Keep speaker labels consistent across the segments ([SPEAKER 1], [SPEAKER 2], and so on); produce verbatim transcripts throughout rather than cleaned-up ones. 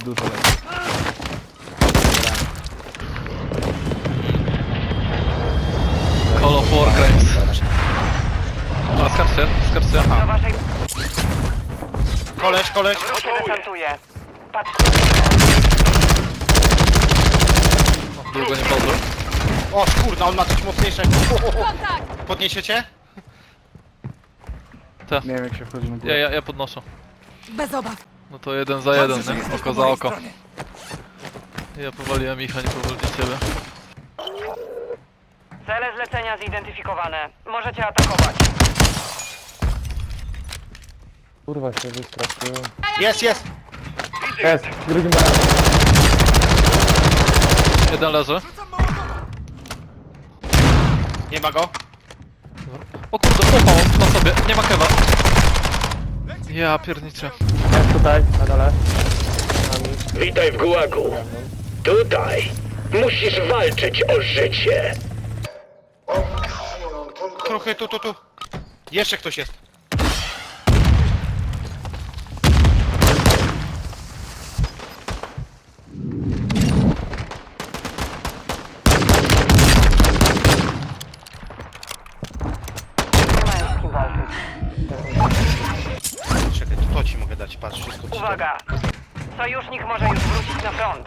[SPEAKER 1] Dużo lepiej.
[SPEAKER 2] Call of Warcraft. A, skaczcie, skaczcie,
[SPEAKER 3] Do
[SPEAKER 2] aha.
[SPEAKER 3] waszej
[SPEAKER 4] Koleś, koleś.
[SPEAKER 3] grupy desantuje. Patrzcie.
[SPEAKER 2] Długo nie pozdro.
[SPEAKER 4] O kurna, on ma coś mocniejszego. Podniesiecie?
[SPEAKER 1] Nie wiem jak się wchodzi na
[SPEAKER 2] Ja,
[SPEAKER 1] górę.
[SPEAKER 2] ja, ja podnoszę.
[SPEAKER 5] Bez obaw.
[SPEAKER 2] No to jeden za jeden, nie? Oko za oko. Ja powaliłem ich, a nie powolili ciebie.
[SPEAKER 3] Cele zlecenia zidentyfikowane. Możecie atakować.
[SPEAKER 6] Kurwa się wystraszyłem.
[SPEAKER 4] Jest, jest.
[SPEAKER 6] Jest, drugim razem.
[SPEAKER 2] Jeden leży.
[SPEAKER 4] Nie ma go.
[SPEAKER 2] O kurde, popał na sobie, nie ma kewa. Ja pierniczę.
[SPEAKER 6] Jest tutaj, na dole.
[SPEAKER 7] Witaj w gułagu. Tutaj musisz walczyć o życie.
[SPEAKER 4] Kruchy, tu, tu, tu. Jeszcze ktoś jest.
[SPEAKER 3] Nie mają z kim walczyć.
[SPEAKER 4] Czekaj, to, to ci mogę dać, patrz, wszystko ci
[SPEAKER 3] Uwaga! Sojusznik może już wrócić na front.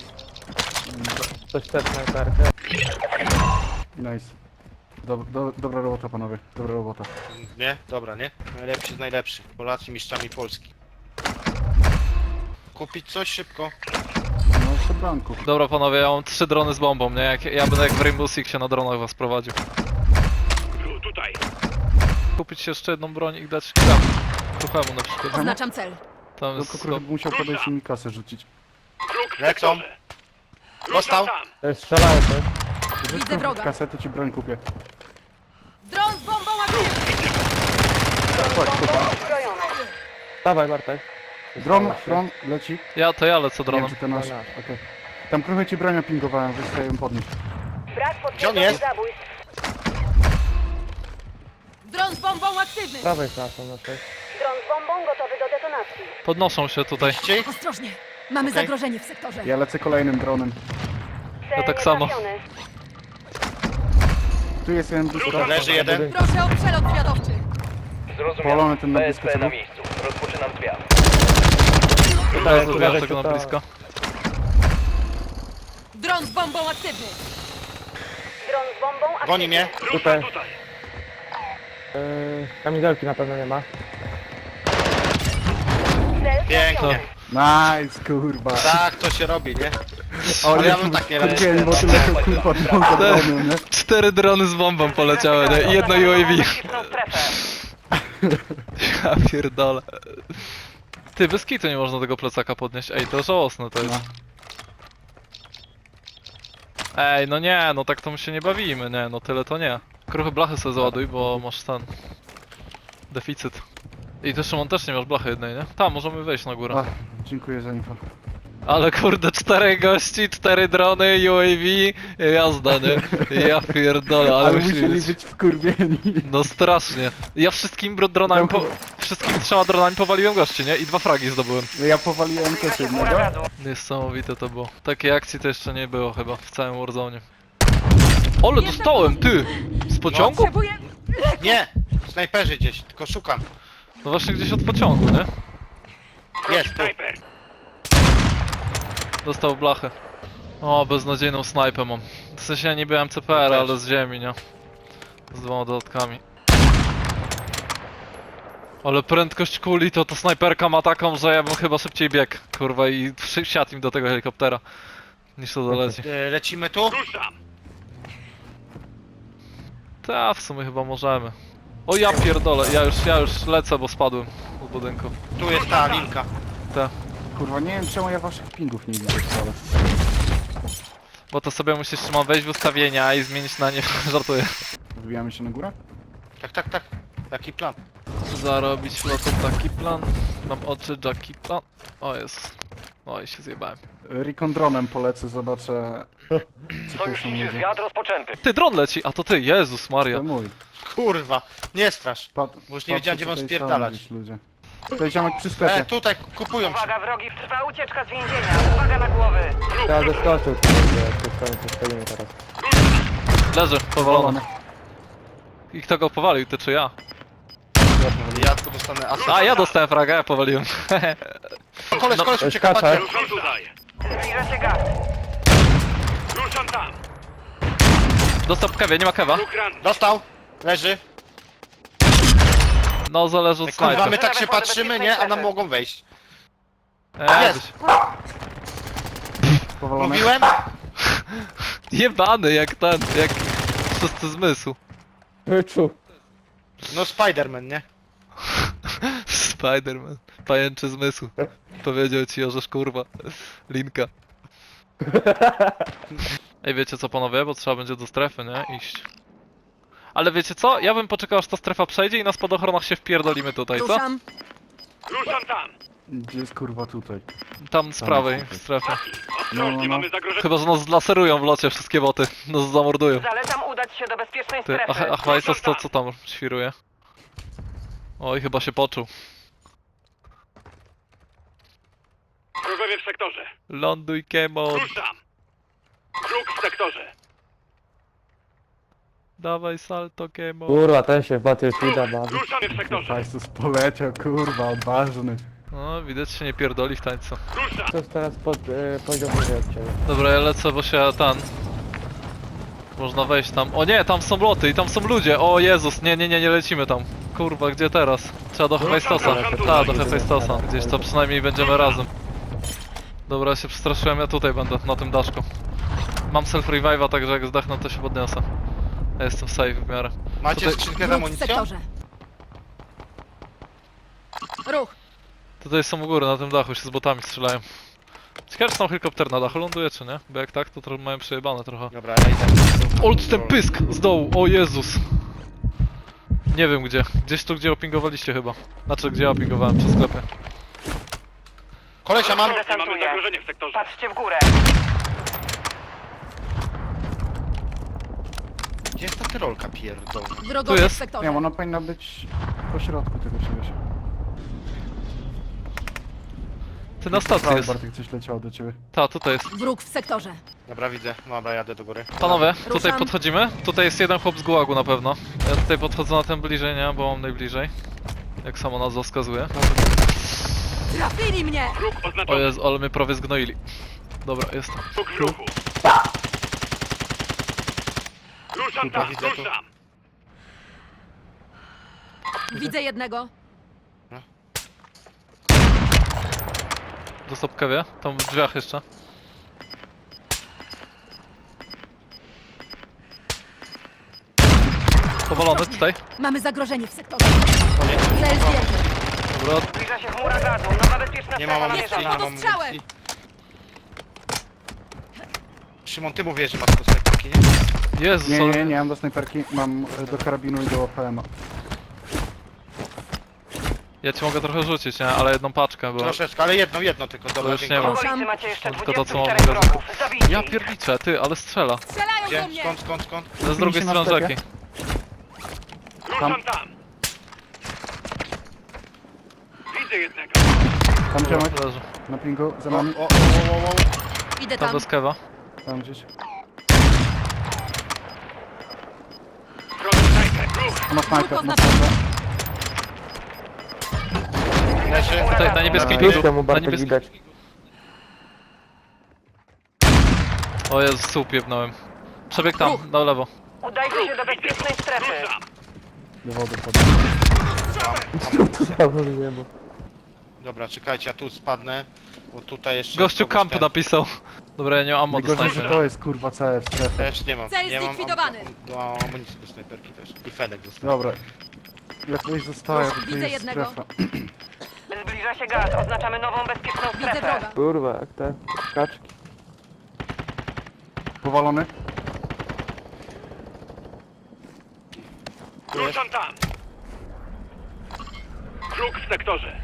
[SPEAKER 6] Coś też snajperkę.
[SPEAKER 1] Nice. Dob do dobra robota panowie, dobra robota.
[SPEAKER 4] dam. Nie? Dobra, nie? Najlepszy z najlepszych. Polacy mistrzami Polski. Kupić coś szybko.
[SPEAKER 1] No jeszcze blanku.
[SPEAKER 2] Dobra panowie, ja mam trzy drony z bombą, nie? Jak, ja będę jak w Rainbow Sixie na dronach was prowadził.
[SPEAKER 7] Tutaj.
[SPEAKER 2] Kupić się jeszcze jedną broń i dać kram. Kruchemu na przykład.
[SPEAKER 5] Oznaczam cel.
[SPEAKER 2] Tam
[SPEAKER 1] Tylko
[SPEAKER 2] jest...
[SPEAKER 1] kruchy musiał podejść i mi kasę rzucić.
[SPEAKER 7] Kruk w
[SPEAKER 4] Lecą.
[SPEAKER 7] sektorze.
[SPEAKER 4] Dostał.
[SPEAKER 7] Tam.
[SPEAKER 6] To jest strzelają coś.
[SPEAKER 1] Rzuć
[SPEAKER 5] Widzę
[SPEAKER 1] kruchy
[SPEAKER 5] wroga.
[SPEAKER 1] kasę, to ci broń kupię.
[SPEAKER 5] Dron z bombą aktywny.
[SPEAKER 1] Chodź, kupa.
[SPEAKER 3] Uzbrojony.
[SPEAKER 6] Dawaj Bartek.
[SPEAKER 1] Dron, dron, leci.
[SPEAKER 2] Ja, to ja lecę
[SPEAKER 1] Nie wiem
[SPEAKER 2] dronem.
[SPEAKER 1] czy to nasz.
[SPEAKER 6] To nasz.
[SPEAKER 1] Okej. Tam kruchy ci broń pingowałem, wystaję ją podnieść.
[SPEAKER 3] Brak
[SPEAKER 4] Gdzie on
[SPEAKER 3] potwierdzonych
[SPEAKER 4] jest?
[SPEAKER 3] zabójstw.
[SPEAKER 5] Dron z bombą aktywny.
[SPEAKER 6] Prawej klasą na coś.
[SPEAKER 3] Dron z bombą gotowy do detonacji.
[SPEAKER 2] Podnoszą się tutaj.
[SPEAKER 4] Ci?
[SPEAKER 5] Ostrożnie. Mamy
[SPEAKER 4] Okej.
[SPEAKER 5] zagrożenie w sektorze.
[SPEAKER 1] Ja lecę kolejnym dronem.
[SPEAKER 3] Cel
[SPEAKER 2] tak samo.
[SPEAKER 3] nietrafiony.
[SPEAKER 1] Tu jest jeden blisko.
[SPEAKER 4] Leży jeden.
[SPEAKER 5] Proszę o przelot zwiadowczy.
[SPEAKER 1] Polony ten na blisko. co był?
[SPEAKER 7] miejscu. Rozpoczynam zwiat.
[SPEAKER 2] Tutaj
[SPEAKER 6] tu
[SPEAKER 2] zrobiłem
[SPEAKER 6] leży,
[SPEAKER 2] tego na
[SPEAKER 6] to-
[SPEAKER 2] blisko.
[SPEAKER 5] Dron z bombą aktywny.
[SPEAKER 3] Dron z bombą aktywny.
[SPEAKER 4] Goni mnie.
[SPEAKER 6] Tutaj. Yy, kamizelki na pewno nie ma.
[SPEAKER 3] Cel
[SPEAKER 4] Pięknie.
[SPEAKER 3] trafiony.
[SPEAKER 1] Nice, kurwa.
[SPEAKER 4] Tak, to się robi, nie?
[SPEAKER 1] O,
[SPEAKER 4] Ale ja
[SPEAKER 1] nie,
[SPEAKER 4] bym tak nie
[SPEAKER 1] kurwa, bo tyle to kurwa drogą drogą, nie?
[SPEAKER 2] Cztery drony z bombą poleciały, nie? I jedno U A V.
[SPEAKER 3] Taktyczną strefę.
[SPEAKER 2] Ja pierdolę. Ty, bez kitu nie można tego plecaka podnieść. Ej, to żałosne to jest.
[SPEAKER 1] No.
[SPEAKER 2] Ej, no nie, no tak to my się nie bawimy, nie, no tyle to nie. Kruchy blachy sobie załaduj, bo masz ten... deficyt. I też Szymon też nie masz blachy jednej, nie? Tam, możemy wejść na górę.
[SPEAKER 1] Ach, dziękuję za info.
[SPEAKER 2] Ale kurde, cztery gości, cztery drony, U A V, jazda, nie? Ja pierdolę, ale,
[SPEAKER 1] Ale
[SPEAKER 2] musi
[SPEAKER 1] musieli
[SPEAKER 2] być...
[SPEAKER 1] być wkurwieni.
[SPEAKER 2] No strasznie. Ja wszystkim bro- dronami, po... wszystkim trzema dronami powaliłem gości, nie? I dwa fragi zdobyłem.
[SPEAKER 1] Ja powaliłem też jednego.
[SPEAKER 3] Huraganu.
[SPEAKER 2] Niesamowite to było. Takiej akcji to jeszcze nie było chyba w całym Warzone. Ole, dostałem, ty! Z pociągu?
[SPEAKER 5] Potrzebuję...
[SPEAKER 4] Nie! Snajperzy gdzieś, tylko szukam.
[SPEAKER 2] No właśnie gdzieś od pociągu, nie?
[SPEAKER 4] Jest, tu.
[SPEAKER 7] Snajper.
[SPEAKER 2] Dostał blachę. O, beznadziejną snajpę mam. W sensie ja nie byłem C P R, ale z ziemi, nie? Z dwoma dodatkami. Ale prędkość kuli to ta snajperka ma taką, że ja bym chyba szybciej biegł, kurwa, i wsiadł im do tego helikoptera. Niż to doleci.
[SPEAKER 4] E, Lecimy tu?
[SPEAKER 7] Ruszam.
[SPEAKER 2] Ta, w sumie chyba możemy. O ja pierdolę, ja już, ja już lecę, bo spadłem z budynku.
[SPEAKER 4] Tu jest ta linka.
[SPEAKER 2] Ta.
[SPEAKER 1] Kurwa, nie wiem czemu ja waszych pingów nie widzę wcale.
[SPEAKER 2] Bo to sobie musisz Szymon wejść w ustawienia i zmienić na nie, żartuję.
[SPEAKER 1] Wbijamy się na górę?
[SPEAKER 4] Tak, tak, tak. Taki plan.
[SPEAKER 2] Zarobić flotą taki plan. Mam oczy Jackie plan. O jest. Oj, się zjebałem.
[SPEAKER 1] Recon dronem polecę, zobaczę co tu są ludzie.
[SPEAKER 7] rozpoczęty.
[SPEAKER 2] Ty, dron leci, a to ty, Jezus Maria.
[SPEAKER 1] To mój.
[SPEAKER 4] Kurwa, nie strasz.
[SPEAKER 1] Pat,
[SPEAKER 4] Bo już nie
[SPEAKER 1] patrzę,
[SPEAKER 4] wiedziałem, gdzie mam
[SPEAKER 1] tutaj są
[SPEAKER 4] spierdalać.
[SPEAKER 1] gdzieś ludzie. To jest ziomek przy
[SPEAKER 4] E,
[SPEAKER 1] sklepie.
[SPEAKER 4] tutaj kupują się.
[SPEAKER 3] Uwaga, wrogi, trwa ucieczka z więzienia. Uwaga na głowy.
[SPEAKER 6] Trzeba zeskoczył, tu stoimy, tu stoimy teraz.
[SPEAKER 2] Leży, powalony. I kto go powalił, ty czy ja?
[SPEAKER 4] Ja tu dostanę asyst.
[SPEAKER 2] A, ja dostałem fraga, ja powaliłem.
[SPEAKER 4] Koleś,
[SPEAKER 2] No,
[SPEAKER 4] koleś ucieka,
[SPEAKER 6] skacze.
[SPEAKER 4] patrzcie.
[SPEAKER 7] Ruszam tutaj.
[SPEAKER 3] Zbliża się gaz.
[SPEAKER 7] Ruszam tam.
[SPEAKER 2] Dostał kewie, nie ma kewa.
[SPEAKER 7] Kruk ranny.
[SPEAKER 4] Dostał. Leży.
[SPEAKER 2] No, zależy od
[SPEAKER 4] Kurwa, my
[SPEAKER 2] snajpy.
[SPEAKER 4] tak się patrzymy, nie? A nam mogą wejść.
[SPEAKER 2] Eee,
[SPEAKER 4] Jest.
[SPEAKER 1] Powalony.
[SPEAKER 4] Mówiłem?
[SPEAKER 2] jebany jak ten, jak szósty zmysł.
[SPEAKER 6] Wyczuł.
[SPEAKER 4] No Spiderman, nie?
[SPEAKER 2] Spiderman, pajęczy zmysł. Powiedział ci Orzesz, kurwa. Linka. Ej, wiecie co panowie, bo trzeba będzie do strefy, nie? Iść. Ale wiecie co? Ja bym poczekał aż ta strefa przejdzie i na spadochronach się wpierdolimy tutaj, co?
[SPEAKER 5] Ruszam.
[SPEAKER 7] Ruszam tam.
[SPEAKER 1] Gdzie jest kurwa tutaj?
[SPEAKER 2] Tam z prawej w strefie.
[SPEAKER 7] Ostrożnie,
[SPEAKER 1] No, no, no.
[SPEAKER 7] mamy zagrożenie.
[SPEAKER 2] Chyba, że nas zlaserują w locie wszystkie boty. Nas zamordują.
[SPEAKER 3] Zalecam udać się do bezpiecznej
[SPEAKER 2] Ty,
[SPEAKER 3] strefy.
[SPEAKER 2] ach, ach Wajsos, co, co tam świruje? Oj, chyba się poczuł.
[SPEAKER 7] Wrogowie w sektorze.
[SPEAKER 2] Ląduj, Kemon.
[SPEAKER 7] Ruszam. Kruk w sektorze.
[SPEAKER 2] Dawaj salto, Kemon.
[SPEAKER 6] Kurwa, ten się w Battlefielda bawi.
[SPEAKER 7] Ruszamy w sektorze.
[SPEAKER 1] Fajsus poleciał, kurwa, odważny.
[SPEAKER 2] No, widać się nie pierdoli w tańcu.
[SPEAKER 7] Ruszam.
[SPEAKER 6] To jest teraz pod y, poziom wyżej od ciebie.
[SPEAKER 2] Dobra, ja lecę, bo się ten... Można wejść tam. O nie, tam są loty i tam są ludzie. O Jezus, nie, nie, nie, nie lecimy tam. Kurwa, gdzie teraz? Trzeba do Hefajstosa. Tak, do Hefajstosa. Gdzieś to przynajmniej będziemy razem. Dobra, ja się przestraszyłem, ja tutaj będę, na tym daszku. Mam self-revive'a, także jak zdechnę, to się podniosę. Ja jestem safe w miarę.
[SPEAKER 4] Macie
[SPEAKER 2] Tutaj-
[SPEAKER 4] skrzynkę z
[SPEAKER 5] Wróg w
[SPEAKER 4] amunicją?
[SPEAKER 5] sektorze. Ruch.
[SPEAKER 2] Tutaj są u góry, na tym dachu się z botami strzelają. Ciekawe, czy tam helikopter na dachu ląduje, czy nie? Bo jak tak, to trochę mają przejebane trochę.
[SPEAKER 4] Dobra, ja idę.
[SPEAKER 2] Old ten pysk z dołu, o Jezus! Nie wiem gdzie, gdzieś tu gdzie opingowaliście chyba. Znaczy gdzie ja opingowałem, przy sklepie.
[SPEAKER 4] Kolesia mam.
[SPEAKER 7] Ostrożnie, mamy zagrożenie w sektorze.
[SPEAKER 3] Patrzcie w górę.
[SPEAKER 4] Gdzie jest ta tyrolka pierdolona?
[SPEAKER 5] Wrogowie
[SPEAKER 2] Tu jest.
[SPEAKER 5] w sektorze.
[SPEAKER 1] Nie, ona powinna być po środku tego czegoś.
[SPEAKER 2] Ty na stacji
[SPEAKER 1] Prawo,
[SPEAKER 2] jest.
[SPEAKER 1] Bartek, coś leciało do ciebie.
[SPEAKER 2] Ta, tutaj jest.
[SPEAKER 5] Wróg w sektorze.
[SPEAKER 4] Dobra, widzę. Dobra, jadę do góry.
[SPEAKER 2] Panowie, tutaj
[SPEAKER 5] Ruszam.
[SPEAKER 2] podchodzimy. Tutaj jest jeden chłop z gułagu na pewno. Ja tutaj podchodzę na ten bliżej, nie? Bo mam najbliżej. Jak samo nazwa wskazuje.
[SPEAKER 5] Trafili mnie!
[SPEAKER 7] Kruk
[SPEAKER 2] O
[SPEAKER 7] oznaczony.
[SPEAKER 2] Jezu, ale mnie prawie zgnoili. Dobra, jestem.
[SPEAKER 7] Kruk w ruchu. Ruszam tam,
[SPEAKER 4] widzę to.
[SPEAKER 7] ruszam.
[SPEAKER 5] Widzę jednego.
[SPEAKER 2] Dostał kewie, tam w drzwiach jeszcze. Powalony tutaj.
[SPEAKER 5] Mamy zagrożenie w sektorze. Cel zdjęty.
[SPEAKER 2] Dobra,
[SPEAKER 3] Zbliża się chmura gazu. Nowa bezpieczna
[SPEAKER 4] Nie
[SPEAKER 3] strefa
[SPEAKER 4] mam amunicji, nie
[SPEAKER 3] namierzona.
[SPEAKER 4] mam
[SPEAKER 5] Pod ostrzałem.
[SPEAKER 4] amunicji. Szymon, ty mówisz, że masz to snajperki, nie?
[SPEAKER 2] Jezus,
[SPEAKER 1] Nie,
[SPEAKER 2] ale...
[SPEAKER 1] nie, nie mam do snajperki, mam e, do karabinu i do P M a.
[SPEAKER 2] Ja ci mogę trochę rzucić, nie? Ale jedną paczkę, bo...
[SPEAKER 4] Troszeczkę, ale jedno, jedno tylko. Dobra,
[SPEAKER 2] już nie
[SPEAKER 4] dziękuję.
[SPEAKER 2] mam.
[SPEAKER 3] W okolicy macie jeszcze
[SPEAKER 2] Tylko to, co mam
[SPEAKER 3] dwudziestu czterech
[SPEAKER 2] magazynu.
[SPEAKER 3] wrogów. Zabijcie
[SPEAKER 2] Ja
[SPEAKER 3] ich.
[SPEAKER 2] pierniczę, ty, ale strzela.
[SPEAKER 5] Strzelają do
[SPEAKER 4] Gdzie?
[SPEAKER 5] mnie!
[SPEAKER 4] Skąd, skąd, skąd?
[SPEAKER 2] Z drugiej
[SPEAKER 1] się na
[SPEAKER 2] strony
[SPEAKER 1] sklepie.
[SPEAKER 2] rzeki.
[SPEAKER 7] Ruszam tam. Widzę jednego.
[SPEAKER 1] Tam ziomek,
[SPEAKER 2] Leży.
[SPEAKER 1] na pingu, za
[SPEAKER 4] O,
[SPEAKER 1] nami.
[SPEAKER 4] o, o, o, o, o.
[SPEAKER 5] Idę
[SPEAKER 2] Tam
[SPEAKER 5] tam.
[SPEAKER 2] bez kewa.
[SPEAKER 1] Tam gdzieś.
[SPEAKER 7] Wrogi snajper. Kruk.
[SPEAKER 1] To ma snajper,
[SPEAKER 5] Tylko
[SPEAKER 1] ma
[SPEAKER 5] znaczy-
[SPEAKER 1] snajper.
[SPEAKER 4] Leży.
[SPEAKER 2] Tutaj, na niebieskim
[SPEAKER 1] Dobra.
[SPEAKER 2] pięciu.
[SPEAKER 6] Temu
[SPEAKER 2] Na
[SPEAKER 6] Bartek
[SPEAKER 2] niebieskim...
[SPEAKER 6] widać.
[SPEAKER 2] O Jezu, słup jebnąłem. Przebieg tam, na lewo.
[SPEAKER 3] Udajcie się do bezpiecznej strefy.
[SPEAKER 7] Ruszam.
[SPEAKER 1] Do wody podam.
[SPEAKER 4] Dobra, czekajcie, ja tu spadnę. Bo tutaj jeszcze...
[SPEAKER 2] Gościu
[SPEAKER 4] kogoś
[SPEAKER 2] camp
[SPEAKER 4] ten-
[SPEAKER 2] napisał. Dobra, ja nie mam ammo do
[SPEAKER 1] Najgorzej, że
[SPEAKER 2] snajpera.
[SPEAKER 1] to jest kurwa całe w strefie.
[SPEAKER 4] Też nie mam.
[SPEAKER 5] Cel
[SPEAKER 4] nie mam
[SPEAKER 5] zlikwidowany.
[SPEAKER 4] am- do amunicji do snajperki też. I Fedek dostał.
[SPEAKER 1] Dobra. Jak ktoś zostaje, to
[SPEAKER 5] Widzę
[SPEAKER 1] jest
[SPEAKER 5] jednego.
[SPEAKER 1] strefa.
[SPEAKER 3] Zbliża się gaz. Oznaczamy nową bezpieczną
[SPEAKER 5] Widzę
[SPEAKER 3] strefę.
[SPEAKER 5] wroga.
[SPEAKER 6] Kurwa, jak te kaczki.
[SPEAKER 1] Powalony?
[SPEAKER 7] Ruszam tam. Kruk w sektorze.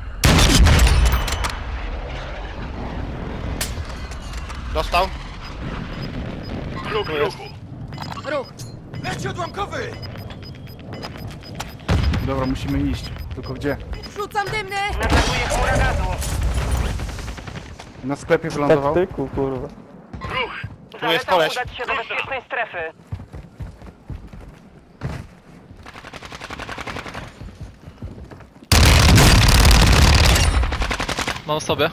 [SPEAKER 4] Dostał?
[SPEAKER 7] Kruk w ruchu.
[SPEAKER 5] Ruch.
[SPEAKER 1] Dobra, musimy iść. Tylko gdzie?
[SPEAKER 5] Rzucam dymny!
[SPEAKER 3] Natakuje chmura gazu.
[SPEAKER 1] Na sklepie wylądował.
[SPEAKER 6] Taktyku, kurwa.
[SPEAKER 7] Ruch!
[SPEAKER 4] Tu jest
[SPEAKER 3] Zalecam
[SPEAKER 4] koleś.
[SPEAKER 3] udać się do bezpiecznej strefy.
[SPEAKER 2] Mam sobie.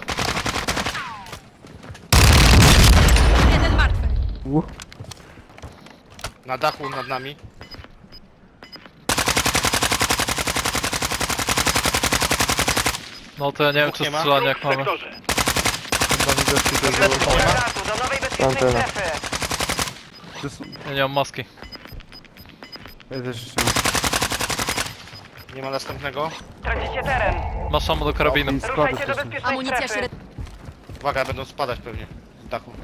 [SPEAKER 5] Jeden martwy.
[SPEAKER 6] Uh.
[SPEAKER 4] Na dachu nad nami.
[SPEAKER 2] No to ja nie wiem
[SPEAKER 4] Dwóch
[SPEAKER 2] czy
[SPEAKER 4] nie ma?
[SPEAKER 2] strzelanie
[SPEAKER 7] Ruch
[SPEAKER 2] jak
[SPEAKER 7] w
[SPEAKER 2] mamy.
[SPEAKER 7] sektorze.
[SPEAKER 3] Chmura gazu do nowej bezpiecznej
[SPEAKER 6] Antena.
[SPEAKER 3] strefy.
[SPEAKER 1] To są-
[SPEAKER 2] Ja nie mam maski.
[SPEAKER 1] Ja też jeszcze mam.
[SPEAKER 4] Nie ma następnego.
[SPEAKER 3] Tracicie teren.
[SPEAKER 2] Masz ammo do karabinu.
[SPEAKER 1] I składy
[SPEAKER 3] Ruszajcie do
[SPEAKER 1] też.
[SPEAKER 3] bezpiecznej
[SPEAKER 5] Amunicja
[SPEAKER 3] strefy.
[SPEAKER 5] średnia.
[SPEAKER 4] Uwaga, będą spadać pewnie z dachu.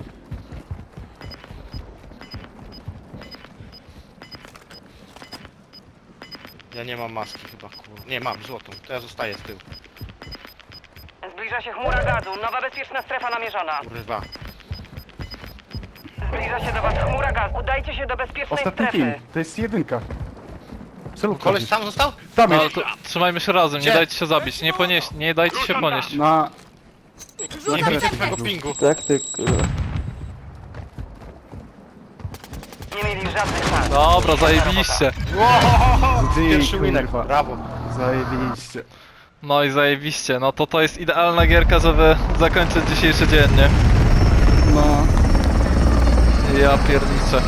[SPEAKER 4] Ja nie mam maski chyba, kur... Nie, mam złotą. To ja zostaję z tyłu.
[SPEAKER 3] Zbliża się chmura gazu. Nowa bezpieczna strefa namierzona.
[SPEAKER 4] Kurwa.
[SPEAKER 3] Zbliża się do was chmura gazu. Udajcie się do bezpiecznej
[SPEAKER 1] Ostatni
[SPEAKER 3] strefy.
[SPEAKER 1] team. To jest jedynka. Co
[SPEAKER 4] Koleś sam został?
[SPEAKER 1] Tam
[SPEAKER 2] No ale
[SPEAKER 1] jest.
[SPEAKER 2] to trzymajmy się razem, nie
[SPEAKER 4] Gdzie?
[SPEAKER 2] dajcie się zabić, nie ponieść, nie dajcie się ponieść.
[SPEAKER 1] Na...
[SPEAKER 5] Rzucam
[SPEAKER 4] Nie widzę
[SPEAKER 5] dymny!
[SPEAKER 4] twojego pingu.
[SPEAKER 6] Taktyk, kurwa.
[SPEAKER 3] Nie mieli żadnych szans.
[SPEAKER 2] Dobra, zajebiście.
[SPEAKER 1] Gdzie
[SPEAKER 4] Pierwszy winek,
[SPEAKER 1] kurwa?
[SPEAKER 4] brawo.
[SPEAKER 1] Zajebiście.
[SPEAKER 2] No i zajebiście, no to to jest idealna gierka, żeby zakończyć dzisiejszy dzień, nie?
[SPEAKER 1] No.
[SPEAKER 2] Ja pierniczę.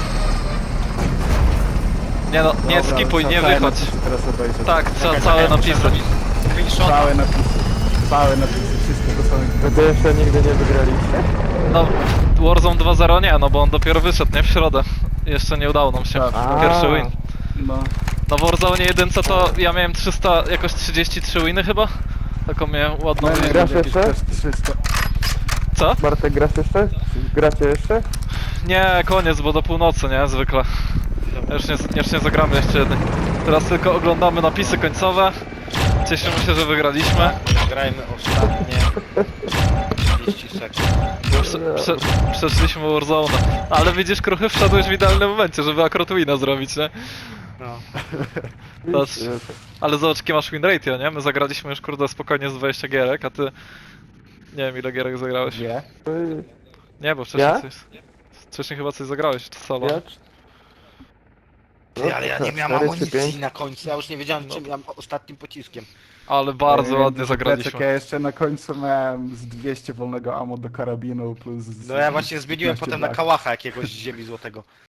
[SPEAKER 2] Nie no, nie
[SPEAKER 1] Dobra,
[SPEAKER 2] skipuj, nie
[SPEAKER 1] trzeba całe
[SPEAKER 2] wychodź.
[SPEAKER 1] napisy Teraz obejrzeć.
[SPEAKER 2] Tak, trzeba
[SPEAKER 4] Czekaj,
[SPEAKER 2] całe
[SPEAKER 4] czekaj, muszę
[SPEAKER 2] napisy.
[SPEAKER 4] zrobić screenshota.
[SPEAKER 1] Całe napisy. Całe napisy. Wszystko to są...
[SPEAKER 6] Wy jeszcze nigdy nie wygraliście?
[SPEAKER 2] No, Warzone dwa zero nie, no bo on dopiero wyszedł, nie? W środę. Jeszcze nie udało nam się.
[SPEAKER 6] A.
[SPEAKER 2] Pierwszy win.
[SPEAKER 1] No.
[SPEAKER 2] Na Warzone jedynce to ja miałem trzysta, jakoś trzydzieści trzy winy chyba. Taką miałem ładną
[SPEAKER 1] Mamy
[SPEAKER 2] liczbę.
[SPEAKER 6] Grasz
[SPEAKER 1] jakieś
[SPEAKER 6] jeszcze?
[SPEAKER 1] też trzysta.
[SPEAKER 2] Co?
[SPEAKER 6] Bartek, grasz jeszcze? Czy gracie jeszcze?
[SPEAKER 2] Nie, koniec, bo do północy, nie? Zwykle. Już nie, już nie zagramy jeszcze jednej. Teraz tylko oglądamy napisy końcowe. Cieszymy się, że wygraliśmy.
[SPEAKER 4] Grajmy ostatnie trzydzieści sekund.
[SPEAKER 2] Prze, prze, przeszliśmy Warzone. Ale widzisz, Kruchy, wszedłeś w idealnym momencie, żeby akurat wina zrobić, nie?
[SPEAKER 4] No.
[SPEAKER 2] Patrz. Ale zobacz, jakie masz win ratio, nie? My zagraliśmy już, kurde, spokojnie z dwadzieścia gierek, a ty... Nie wiem, ile gierek zagrałeś.
[SPEAKER 1] Gdzie?
[SPEAKER 2] Nie, bo wcześniej
[SPEAKER 6] Ja?
[SPEAKER 2] coś... Wcześniej chyba coś zagrałeś, czy solo.
[SPEAKER 6] Ja?
[SPEAKER 4] Ty, ale ja nie miałem
[SPEAKER 6] Cztery czy pięć?
[SPEAKER 4] amunicji na końcu. Ja już nie wiedziałem, czym ja ostatnim pociskiem.
[SPEAKER 2] Ale bardzo
[SPEAKER 1] Ja
[SPEAKER 2] ładnie
[SPEAKER 1] wiem,
[SPEAKER 2] zagraliśmy.
[SPEAKER 1] Ja jeszcze na końcu miałem z dwieście wolnego ammo do karabinu plus... z-
[SPEAKER 4] No ja właśnie zmieniłem
[SPEAKER 1] piętnaście
[SPEAKER 4] potem na
[SPEAKER 1] blach.
[SPEAKER 4] kałacha jakiegoś z ziemi złotego.